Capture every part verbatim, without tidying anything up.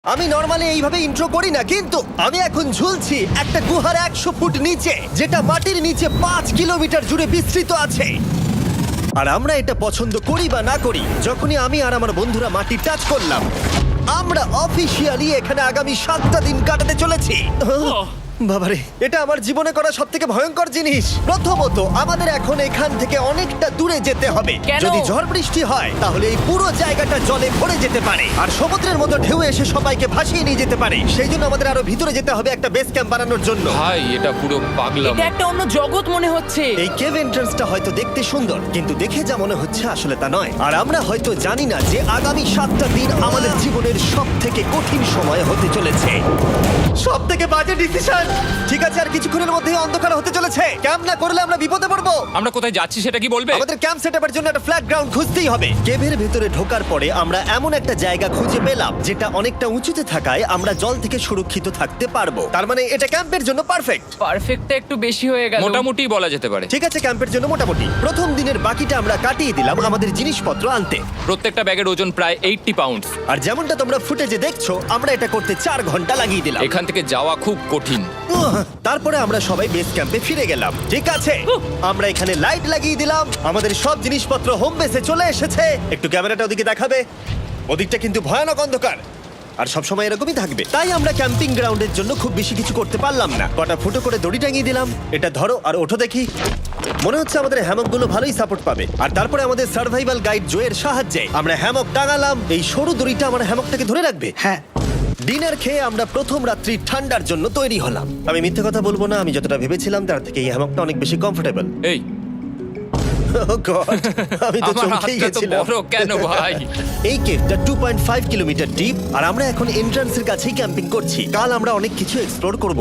আমি নর্মালি এইভাবে ইন্ট্রো করি না, কিন্তু আমি এখন ঝুলছি একটা গুহার একশো ফুট নিচে, যেটা মাটির নিচে পাঁচ কিলোমিটার জুড়ে বিস্তৃত আছে। আর আমরা এটা পছন্দ করি বা না করি, যখনই আমি আর আমার বন্ধুরা মাটি টাচ করলাম, আমরা অফিসিয়ালি এখানে আগামী সাতটা দিন কাটাতে চলেছি। বাবারে, এটা আমার জীবনে করা সব থেকে ভয়ঙ্কর জিনিস। প্রথমত, আমাদের এখন এখান থেকে অনেকটা দূরে যেতে হবে। কেন? যদি ঝড় বৃষ্টি হয় তাহলে এই পুরো জায়গাটা জলে ভরে যেতে পারে, আর সমুদ্রের মতো ঢেউ এসে সবাইকে ভাসিয়ে নিয়ে যেতে পারে। সেই জন্য আমাদের আরো ভিতরে যেতে হবে একটা বেস ক্যাম্প বানানোর জন্য। ভাই এটা পুরো পাগলাম। এটা একটা অন্য জগৎ মনে হচ্ছে। এই কেভ এন্ট্রান্সটা হয়তো দেখতে সুন্দর, কিন্তু দেখে যা মনে হচ্ছে আসলে তা নয়। আর আমরা হয়তো জানি না যে আগামী সাতটা দিন আমাদের জীবনের সব থেকে কঠিন সময় হতে চলেছে। সব থেকে বাজে ডিসিশন। ঠিক আছে, আর কিছুক্ষণের মধ্যেই অন্ধকার হতে চলেছে। ক্যাম্প না করলে আমরা বিপদে পড়বো। আমরা কোথায় যাচ্ছি সেটা কি বলবে? আমাদের ক্যাম্প সেটআপের জন্য একটা ফ্ল্যাট গ্রাউন্ড খুঁজতেই হবে। কেভের ভেতরে ঢোকার পরে আমরা এমন একটা জায়গা খুঁজে পেলাম যেটা অনেকটা উঁচুতে থাকায় আমরা জল থেকে সুরক্ষিত থাকতে পারবো। তার মানে এটা ক্যাম্পের জন্য পারফেক্ট। পারফেক্টটা একটু বেশি হয়ে গেল। মোটামুটি বলা যেতে পারে। ঠিক আছে, ক্যাম্পের জন্য মোটামুটি। প্রথম দিনের বাকিটা আমরা কাটিয়ে দিলাম আমাদের জিনিসপত্র আনতে। প্রত্যেকটা ব্যাগের ওজন প্রায় আশি পাউন্ড। আর যেমনটা তোমরা ফুটেজে দেখছো, আমরা এটা করতে চার ঘন্টা লাগিয়ে দিলাম। এখান থেকে যাওয়া খুব কঠিন। উহ, তারপরে আমরা সবাই বেস ক্যাম্পে ফিরে গেলাম। ঠিক আছে, আমরা এখানে লাইট লাগিয়ে দিলাম। আমাদের সব জিনিসপত্র হোম বেসে চলে এসেছে। একটু ক্যামেরাটা ওদিকে দেখাবে? ওদিকটা কিন্তু ভয়ানক অন্ধকার, আর সব সময় এরকমই থাকবে। তাই আমরা ক্যাম্পিং গ্রাউন্ডের জন্য খুব বেশি কিছু করতে পারলাম না। কটা ফুটো করে দড়ি টাঙিয়ে দিলাম। এটা ধরো আর ওঠো দেখি। মনে হচ্ছে আমাদের হ্যামকগুলো ভালোই সাপোর্ট পাবে। আর তারপরে আমাদের সার্ভাইভাল গাইড জোয়ের সাহায্যে আমরা হ্যামক টাঙালাম। এই সরু দড়িটা আমার হ্যামকটাকে ধরে রাখবে। হ্যাঁ। ডিনার খেয়ে আমরা প্রথম রাত্রি ঠান্ডার জন্য তৈরি হলাম। আমি মিথ্যে কথা বলবো না, আমি যতটা ভেবেছিলাম তার থেকে এই হ্যামকটা অনেক বেশি কমফোর্টেবল। এই আমি তো আমার চমকেই হাতটা তো গেছিলাম। বড় কেন ভাই? এই কেভটা two point five kilometre deep, আর আমরা এখন এন্ট্রান্সের কাছেই ক্যাম্পিং করছি। কাল আমরা অনেক কিছু এক্সপ্লোর করব।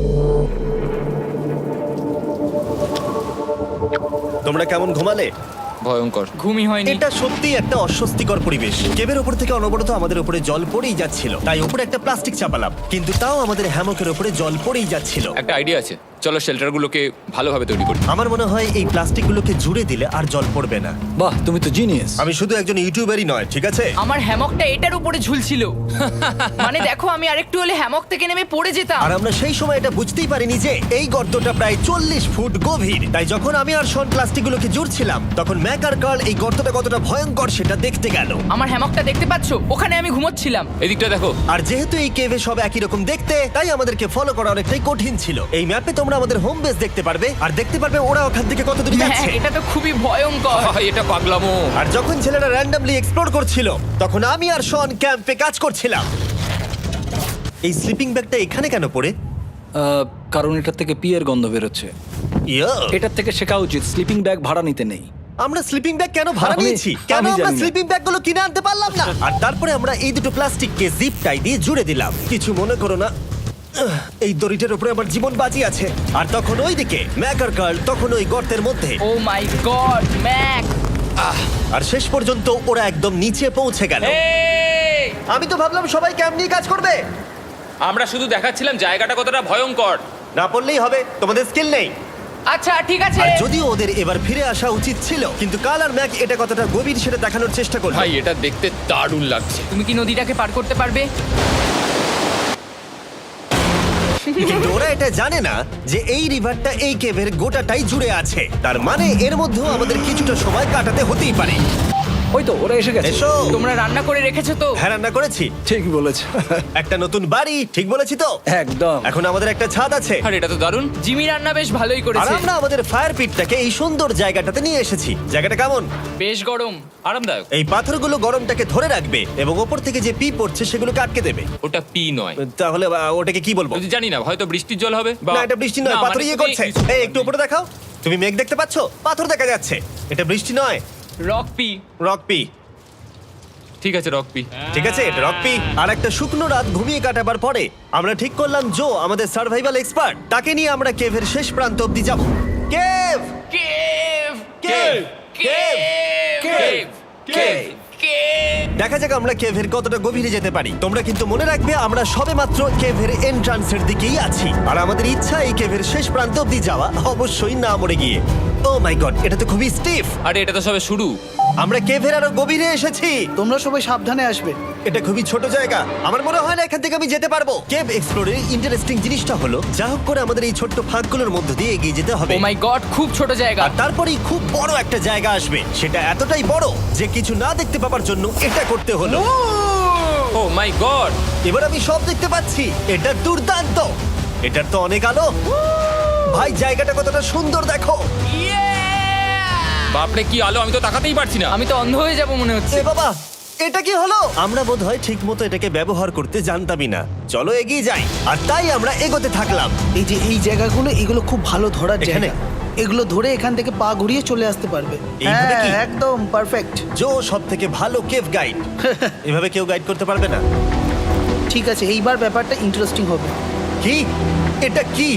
তোমরা কেমন ঘুমালে? ভয়ঙ্কর। ঘুমই হয়নি। এটা সত্যি একটা অস্বস্তিকর পরিবেশ। কেবের উপর থেকে অনবরত আমাদের উপরে জল পড়েই যাচ্ছিল, তাই উপরে একটা প্লাস্টিক চাপালাম, কিন্তু তাও আমাদের হ্যামকের উপরে জল পড়েই যাচ্ছিল। একটা আইডিয়া আছে, চলো শেল্টারগুলোকে ভালোভাবে তৈরি করি। আমার মনে হয় এই প্লাস্টিকগুলোকে জুড়ে দিলে আর জল পড়বে না। বাহ, তুমি তো জিনিয়াস। আমি শুধু একজন ইউটিউবারই নয়, ঠিক আছে? আমার হ্যামকটা এটার উপরে ঝুলছিল। মানে দেখো, আমি আরেকটু হলে হ্যামক থেকে নেমে পড়ে যেতাম। আর আমরা সেই সময় এটা বুঝতেই পারিনি যে এই গর্তটা প্রায় চল্লিশ ফুট গভীর। তাই যখন আমি আর শন প্লাস্টিকগুলোকে জুড়ছিলাম, তখন ম্যাক আর কার্ল এই গর্তটা কতটা ভয়ঙ্কর সেটা দেখতে গেল। আমার হ্যামকটা দেখতে পাচ্ছো? ওখানে আমি ঘুমোচ্ছিলাম। এদিকটা দেখো। আর যেহেতু এই কেভে সব একই রকম দেখতে, তাই আমাদেরকে ফলো করা অনেকটাই কঠিন ছিল। এই ম্যাপে তোমরা আমাদের হোম বেস দেখতে পারবে, আর দেখতে পারবে ওরা ওখান থেকে কত দূরে হ্যাঁ, যাচ্ছে। এটা তো খুবই ভয়ঙ্কর। ভাই এটা পাগলামো। আর যখন ছেলেরা র্যান্ডমলি এক্সপ্লোর করছিল, তখন আমি আর শন ক্যাম্পে কাজ করছিলাম। এই স্লিপিং ব্যাগটা এখানে কেন পড়ে? আহ, কারণ এটার থেকে পিয়ের গন্ধ বেরোচ্ছে। ইয়া, এটার থেকে শেখা উচিত স্লিপিং ব্যাগ ভাড়া নিতে নেই। আমরা স্লিপিং ব্যাগ কেন ভাড়া আমি- নিয়েছি? কেন আমি আমরা জানি না। স্লিপিং ব্যাগগুলো কিনে আনতে পারলাম না? আর তারপরে আমরা এই দুটো প্লাস্টিককে জিপ টাই দিয়ে জুড়ে দিলাম। কিছু মনে করো না, আহ, এই দড়িটার উপরে আমার জীবন বাজি আছে। আর তখন ওইদিকে ম্যাক আর কার্ল তখন ওই গর্তের মধ্যে। ও মাই গড, ম্যাক! আর শেষ পর্যন্ত ওরা একদম নিচে পৌঁছে গেল। এই! আমি তো ভাবলাম সবাই ক্যাম্প নিয়ে কাজ করবে। আমরা শুধু দেখাচ্ছিলাম জায়গাটা কতটা ভয়ঙ্কর। না পড়লেই হবে, তোমাদের স্কিল নেই। আচ্ছা ঠিক আছে। আর যদিও ওদের এবার ফিরে আসা উচিত ছিল, কিন্তু কাল আর ম্যাক এটা কতটা গভীর সেটা দেখানোর চেষ্টা করলো। ভাই এটা দেখতে দারুণ লাগছে। তুমি কি নদীটাকে পার করতে পারবে? কিন্তু ওরা এটা জানে না যে এই রিভারটা এই কেভের গোটাটাই জুড়ে আছে। তার মানে এর মধ্যেও আমাদের কিছুটা সময় কাটাতে হতেই পারে। ওই তো ওরা এসে গেছে। এসো। তোমরা রান্না করে রেখেছো তো? হ্যাঁ, রান্না করেছি। ঠিক বলেছ। একটা নতুন বাড়ি, ঠিক বলেছি তো? একদম। এখন আমাদের একটা ছাদ আছে। আর এটা তো দারুণ। জিমি রান্না বেশ ভালোই আর করেছে। আমরা আমাদের ফায়ার পিটটাকে এই সুন্দর জায়গাটাতে নিয়ে এসেছি। জায়গাটা কেমন? বেশ গরম। আরামদায়ক। এই পাথরগুলো গরমটাকে ধরে রাখবে এবং ওপর থেকে যে পি পড়ছে সেগুলোকে আটকে দেবে। ওটা পি নয়। তাহলে আহ, ওটাকে কি বলবো? যদি জানি না, হয়তো বৃষ্টির জল হবে বা না, এটা বৃষ্টি নয়, না, পাথর মানে ইয়ে তুমি করছে। কিছু- এই একটু উপরে দেখাও। তুমি মেঘ দেখতে পাচ্ছো? পাথর দেখা যাচ্ছে। এটা বৃষ্টি নয়, রক পি। Rock P. ঠিক আছে রক পি। ঠিক আছে, এটা রক পি। আর একটা শুকনো রাত ঘুমিয়ে কাটাবার পরে আমরা ঠিক করলাম জো আমাদের সার্ভাইভাল এক্সপার্ট, তাকে নিয়ে আমরা কেভের শেষ প্রান্ত অব্দি যাব। Cave cave! Cave cave! Cave! Cave! Cave! দেখা যাক আমরা কেভের কতটা গভীরে যেতে পারি। তোমরা কিন্তু মনে রাখবে আমরা সবেমাত্র কেভের এন্ট্রান্সের দিকেই আছি, আর আমাদের ইচ্ছা এই কেভের শেষ প্রান্ত অব্দি যাওয়া, অবশ্যই না মরে গিয়ে। ও মাই গড, এটা তো খুবই স্টিফ। আরে এটা তো সবে শুরু। আমরা কেভের আরো গভীরে এসেছি। তোমরা সবাই সাবধানে আসবে। এটা খুবই ছোট জায়গা, আমার মনে হয় না এখান থেকে আমি যেতে পারবো। কেভ এক্সপ্লোরের ইন্টারেস্টিং জিনিসটা হলো যা হোক করে আমাদের এই ছোট্ট ফাঁকগুলোর মধ্য দিয়ে এগিয়ে যেতে হবে। ও মাই গড, খুব ছোট জায়গা। আর তারপরেই খুব বড় একটা জায়গা আসবে, সেটা এতটাই বড় যে কিছু না দেখতে পাওয়ার জন্য এটা করতে হলো। Oh my god! এবার আমি সব দেখতে পাচ্ছি, এটা দুর্দান্ত। এটার তো অনেক আলো। ভাই জায়গাটা কতটা সুন্দর দেখো। বাপরে কি আলো, আমি তো তাকাতেই পারছি না। আমি তো অন্ধ হয়ে যাব মনে হচ্ছে। এ বাবা, এটা কি হলো? আমরা বোধহয় ঠিক মতো এটাকে ব্যবহার করতে জানতামই না। চলো এগিয়ে যাই। আর তাই আমরা এগোতে থাকলাম। এই যে এই জায়গাগুলো, এগুলো খুব ভালো ধরার এখানে? জায়গা। এগুলো ধরে এখান থেকে পা ঘুরিয়ে চলে আসতে পারবে। এইভাবে হ্যাঁ, কি? একদম পারফেক্ট। জো সব থেকে ভালো কেভ গাইড। এভাবে কেউ গাইড করতে পারবে না। ঠিক আছে, এইবার ব্যাপারটা ইন্টারেস্টিং হবে। কি? এটা কি?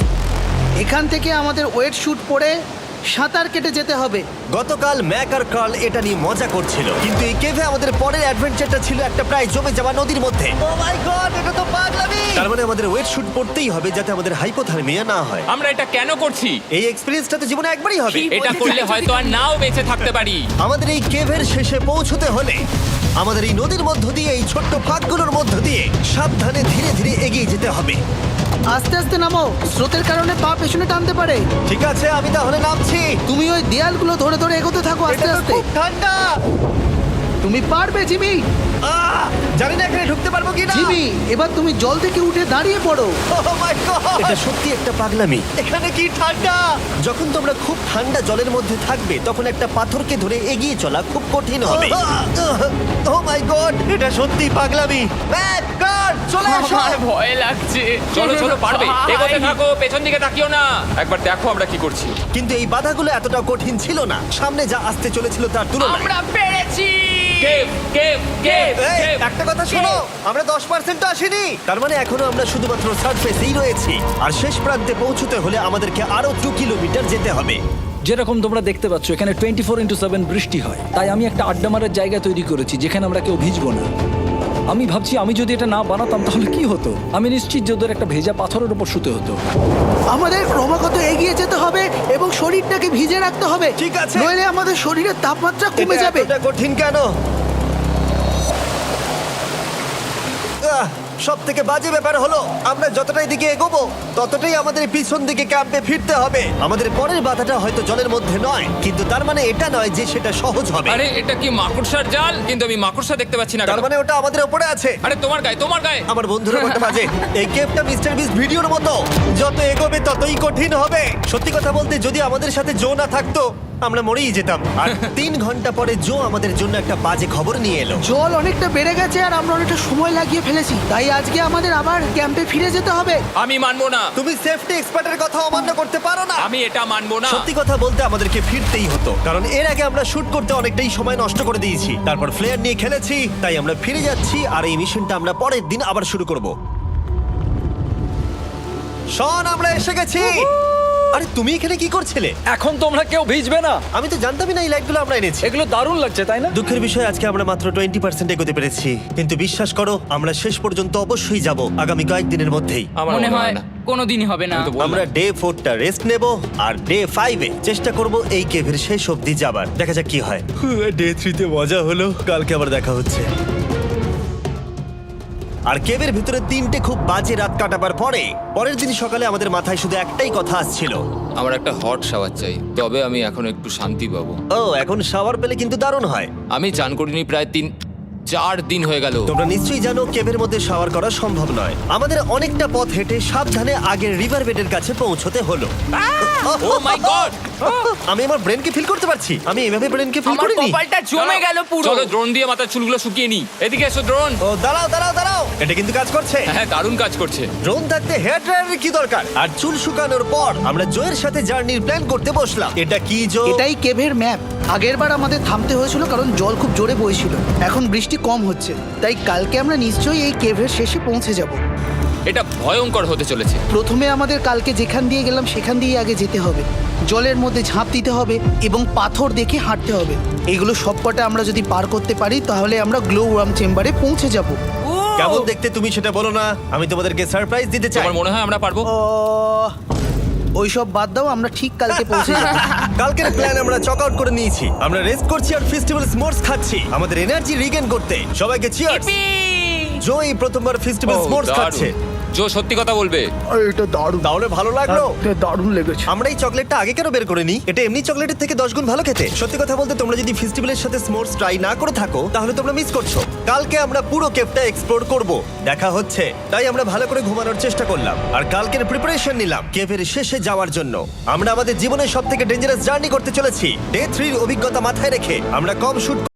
এখান থেকে আমাদের ওয়েট শুট পরে সাঁতার কেটে যেতে হবে। গতকাল ম্যাক আর কার্ল এটা নিয়ে মজা করছিল, কিন্তু এই কেভে আমাদের পরের অ্যাডভেঞ্চারটা ছিল একটা প্রায় জমে যাওয়া নদীর মধ্যে। ও মাই গড, এটা তো পাগলামি! তার মানে আমাদের ওয়েট শুট পড়তেই হবে যাতে আমাদের হাইপোথার্মিয়া না হয়। আমরা এটা কেন করছি? এই এক্সপেরিয়েন্সটা তো জীবনে একবারই হবে। এটা করলে হয়তো আর নাও বেঁচে থাকতে পারি। আমাদের এই কেভের শেষে পৌঁছতে হলে আমাদের এই নদীর মধ্য দিয়ে, এই ছোট্ট ফাঁকগুলোর মধ্য দিয়ে সাবধানে ধীরে ধীরে এগিয়ে যেতে হবে। আস্তে আস্তে নামো, স্রোতের কারণে পা পেছনে টানতে পারে। ঠিক আছে, আমি তাহলে নামছি। তুমি ওই দেয়ালগুলো ধরে ধরে এগোতে থাকো আস্তে এটা তো আস্তে। খুব ঠান্ডা। তুমি পারবে জিমি। আহ! জানি না এখানে ঢুকতে পারবো কি না। জিমি, এবার তুমি জল থেকে উঠে দাঁড়িয়ে পড়ো। এটা সত্যি একটা পাগলামি। এখানে কি ঠান্ডা! যখন তোমরা খুব ঠান্ডা জলের মধ্যে থাকবে তখন একটা পাথরকে ধরে এগিয়ে চলা খুব কঠিন হবে। ও মাই গড, এটা সত্যি পাগলামি। ম্যাক, গার্ড, চলে এসো। আমার ভয় লাগছে। চলো চলো, পারবে। ভাই। এগোতে থাকো, পেছন দিকে তাকিও না। একবার দেখো আমরা কি করছি। কিন্তু এই বাধাগুলো এতটা কঠিন ছিল না সামনে যা আসতে চলেছিল তার তুলনায়। আমরা পেরেছি। কেভ কেভ কেভ এই, কেভ। একটা কথা শোনো, আমরা দশ পার্সেন্ট আসিনি। তার মানে এখনো আমরা শুধুমাত্র সার্ফেসেই রয়েছি, আর শেষ প্রান্তে পৌঁছতে হলে আমাদেরকে আরো দু কিলোমিটার যেতে হবে। যেরকম তোমরা দেখতে পাচ্ছ এখানে টোয়েন্টি ফোর ইন্টু সেভেন বৃষ্টি হয়, তাই আমি একটা আড্ডা মারার জায়গা তৈরি করেছি যেখানে আমরা কেউ ভিজবো না। আমি ভাবছি আমি যদি এটা না বানাতাম তাহলে কি হতো। আমি নিশ্চিত যে ওদের একটা ভেজা পাথরের উপর শুতে হতো। আমাদের ক্রমাগত এগিয়ে যেতে হবে এবং শরীরটাকে ভিজে রাখতে হবে। ঠিক আছে। নইলে আমাদের শরীরের তাপমাত্রা কমে এটা যাবে। এতটা কঠিন কেন? সব থেকে বাজে ব্যাপার হলো আমরা যতটাই দিকে এগোবো ততটাই আমাদের পিছন দিকে ক্যাম্পে ফিরতে হবে। আমাদের পরের বাধাটা হয়তো জলের মধ্যে নয়, কিন্তু তার মানে এটা নয় যে সেটা সহজ হবে। আরে এটা কি মাকড়সার জাল? কিন্তু আমি মাকড়সা দেখতে পাচ্ছি না। তার কেন? মানে ওটা আমাদের উপরে আছে। আরে তোমার গায়ে, তোমার গায়ে। আমার বন্ধুরা বলতে বাজে। এই গেমটা মিস্টার বিস ভিডিওর মতো, যত এগোবে ততই কঠিন হবে। সত্যি কথা বলতে যদি আমাদের সাথে জো না থাকতো আমরা মরেই যেতাম। আর তিন ঘন্টা পরে জো আমাদের জন্য একটা বাজে খবর নিয়ে এলো। জল অনেকটা বেড়ে গেছে আর আমরা অনেকটা সময় লাগিয়ে ফেলেছি, তাই আজকে আমাদের আবার ক্যাম্পে ফিরে যেতে হবে। আমি মানবো না। তুমি সেফটি এক্সপার্টের কথা অমান্য করতে পারো না। আমি এটা মানবো না। সত্যি কথা বলতে আমাদেরকে ফিরতেই হতো, কারণ এর আগে আমরা শুট করতে অনেকটাই সময় নষ্ট করে দিয়েছি। তারপর ফ্লেয়ার নিয়ে খেলেছি, তাই আমরা ফিরে যাচ্ছি আর এই মিশনটা আমরা পরের দিন আবার শুরু করব। শন, আমরা এসে গেছি। আরে তুমি এখানে কি করছিলে? এখন তোমরা কেউ ভিজবে না। আমি তো জানতামই না এই লাইটগুলো আমরা এনেছি। এগুলো দারুণ লাগছে তাই না? দুঃখের বিষয় আজকে আমরা মাত্র টোয়েন্টি পার্সেন্ট এগোতে পেরেছি, কিন্তু বিশ্বাস করো আমরা শেষ পর্যন্ত অবশ্যই যাব আগামী কয়েকদিনের মধ্যেই। আমার মনে হয় কোনোদিনই হবে না। আমি তো বললাম। আমরা ডে ফোরটা রেস্ট নেব আর ডে ফাইভে চেষ্টা করব এই কেভের শেষ অবধি যাবার। দেখা যাক কি হয়। ডে থ্রিতে মজা হলো, কালকে আবার দেখা হচ্ছে। আর কেভের ভিতরে তিনটে খুব বাজে রাত কাটাবার পরে পরের দিন সকালে আমাদের মাথায় শুধু একটাই কথা আসছিল, আমার একটা হট শাওয়ার চাই, তবে আমি এখন একটু শান্তি পাবো। ও এখন শাওয়ার পেলে কিন্তু দারুণ হয়। আমি চান করিনি প্রায় তিন চার দিন হয়ে গেল। তোমরা নিশ্চয়ই জানো কেভের মধ্যে শাওয়ার করা সম্ভব নয়। আমাদের অনেকটা পথ হেঁটে সাবধানে আগের রিভার বেডের কাছে পৌঁছতে হলো। Oh my god! আমি আমার ব্রেনকে ফিল করতে পারছি। আমি এভাবে ব্রেনকে ফিল আমার করিনি। কপালটা জমে গেল পুরো। চলো ড্রোন দিয়ে মাথার চুলগুলো শুকিয়ে নি। এদিকে এসো ড্রোন। ও দাঁড়াও দাঁড়াও দাঁড়াও, এটা কিন্তু কাজ করছে। হ্যাঁ, দারুণ কাজ করছে। ড্রোন থাকতে হেয়ার ড্রায়ারের কি দরকার? আর চুল শুকানোর পর আমরা জোয়ের সাথে জার্নির প্ল্যান করতে বসলাম। এটা কি জো? এটাই কেভের ম্যাপ। আগেরবার আমাদের থামতে হয়েছিল কারণ জল খুব জোরে বইছিল। এখন বৃষ্টি কম হচ্ছে, তাই কালকে আমরা নিশ্চয়ই এই কেভের শেষে পৌঁছে যাব। এটা ভয়ঙ্কর হতে চলেছে। প্রথমে আমাদের কালকে যেখান দিয়ে গেলাম সেখান দিয়ে আগে যেতে হবে। জলের মধ্যে ঝাঁপ দিতে হবে এবং পাথর দেখে হাঁটতে হবে। এগুলো সবকটা আমরা যদি পার করতে পারি তাহলে আমরা গ্লো ওয়ার্ম চেম্বারে পৌঁছে যাব। কেমন দেখতে তুমি সেটা বলো না, আমি তোমাদেরকে সারপ্রাইজ দিতে চাই। তোমার মনে হয় আমরা পারবো? ওইসব বাদ দাও, আমরা ঠিক কালকে পৌঁছে যাবো। কালকের প্ল্যান আমরা চক আউট করে নিয়েছি। আমরা রেস্ট করছি আর ফেস্টিভ্যাল স্মোর্টস খাচ্ছি আমাদের এনার্জি রিগেন করতে। সবাইকে চিয়ার্স। Yippee! জো এই প্রথমবার ফেস্টিভ্যাল ও, স্মোর্টস দারুণ। খাচ্ছে। জো সত্যি কথা বলবে। এটা দারুণ, তাহলে ভালো লাগলো? দারুণ লেগেছে। আমরা এই চকলেটটা আগে কেন বের করে নিই? এটা এমনি চকলেটের থেকে দশ গুণ ভালো খেতে। সত্যি কথা বলতে তোমরা যদি ফেস্টিভ্যালের সাথে স্মোর্টস ট্রাই না করে থাকো তাহলে তোমরা মিস করছো। কালকে আমরা পুরো কেভটা এক্সপ্লোর করব, দেখা হচ্ছে। তাই আমরা ভালো করে ঘুমানোর চেষ্টা করলাম আর কালকের প্রিপারেশন নিলাম কেভের শেষে যাওয়ার জন্য। আমরা আমাদের জীবনের সব থেকে ডেঞ্জারাস জার্নি করতে চলেছি। ডে থ্রির অভিজ্ঞতা মাথায় রেখে আমরা কম শুট